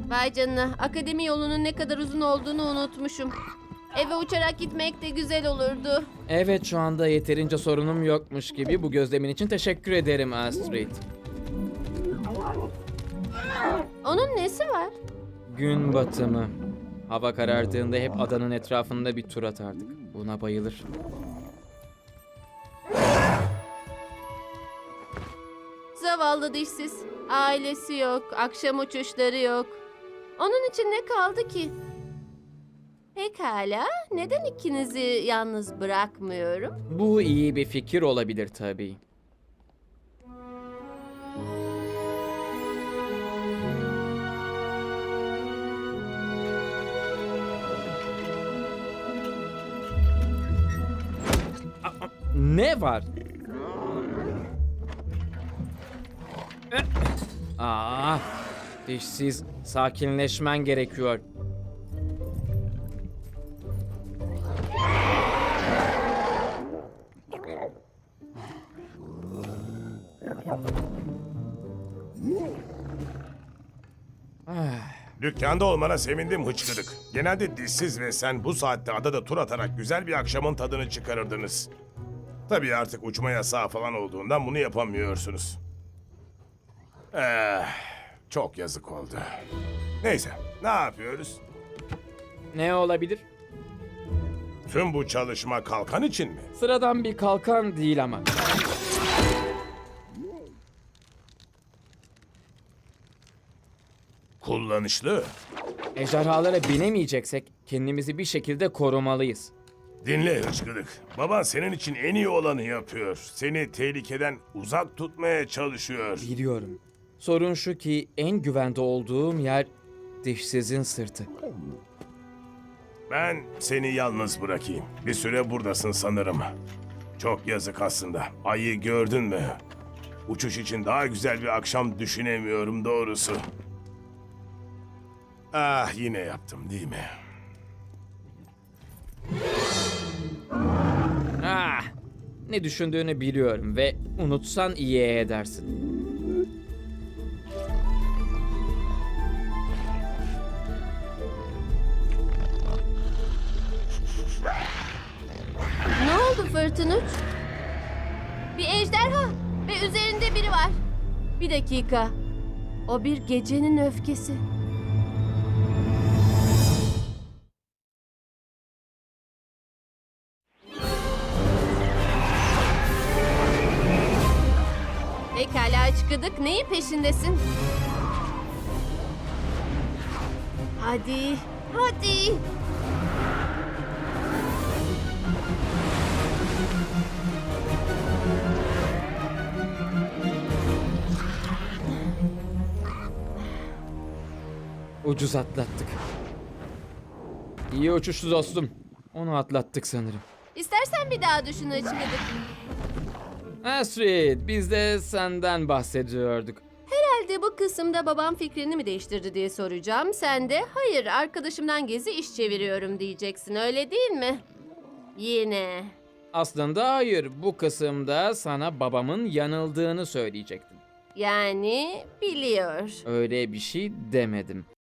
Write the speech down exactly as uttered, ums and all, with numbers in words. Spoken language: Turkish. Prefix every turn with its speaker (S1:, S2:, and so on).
S1: Vay canına, akademi yolunun ne kadar uzun olduğunu unutmuşum. Eve uçarak gitmek de güzel olurdu.
S2: Evet, şu anda yeterince sorunum yokmuş gibi. Bu gözlemin için teşekkür ederim Astrid.
S1: Onun nesi var?
S2: Gün batımı. Hava karardığında hep adanın etrafında bir tur atardık. Buna bayılır.
S1: Zavallı dişsiz. Ailesi yok, akşam uçuşları yok. Onun için ne kaldı ki? Pekala, neden ikinizi yalnız bırakmıyorum?
S2: Bu iyi bir fikir olabilir tabii. Aa, ne var? Aa, dişsiz, sakinleşmen gerekiyor.
S3: Dükkanda olmana sevindim hıçkırık. Genelde dişsiz ve sen bu saatte adada tur atarak güzel bir akşamın tadını çıkarırdınız. Tabii artık uçma yasağı falan olduğundan bunu yapamıyorsunuz. Eh, çok yazık oldu. Neyse, ne yapıyoruz?
S2: Ne olabilir?
S3: Tüm bu çalışma kalkan için mi?
S2: Sıradan bir kalkan değil ama.
S3: Kullanışlı.
S2: Ejderhalara binemeyeceksek kendimizi bir şekilde korumalıyız.
S3: Dinle hıçkırık. Baban senin için en iyi olanı yapıyor. Seni tehlikeden uzak tutmaya çalışıyor.
S2: Biliyorum. Sorun şu ki en güvende olduğum yer dişsizin sırtı.
S3: Ben seni yalnız bırakayım. Bir süre buradasın sanırım. Çok yazık aslında. Ayı gördün mü? Uçuş için daha güzel bir akşam düşünemiyorum doğrusu. Ah, yine yaptım değil mi?
S2: Ah, ne düşündüğünü biliyorum ve unutsan iyi edersin.
S1: Ne oldu Fırtınıç? Bir ejderha ve üzerinde biri var. Bir dakika. O bir gecenin öfkesi. Pekala çıkıdık. Neyin peşindesin? Hadi, hadi.
S2: Ucuz atlattık. İyi uçuştu dostum. Onu atlattık sanırım.
S1: İstersen bir daha düşün çıkıdık.
S2: Astrid, biz de senden bahsediyorduk.
S1: Herhalde bu kısımda babam fikrini mi değiştirdi diye soracağım. Sen de hayır arkadaşımdan gezi iş çeviriyorum diyeceksin öyle değil mi? Yine.
S2: Aslında hayır, bu kısımda sana babamın yanıldığını söyleyecektim.
S1: Yani biliyor.
S2: Öyle bir şey demedim.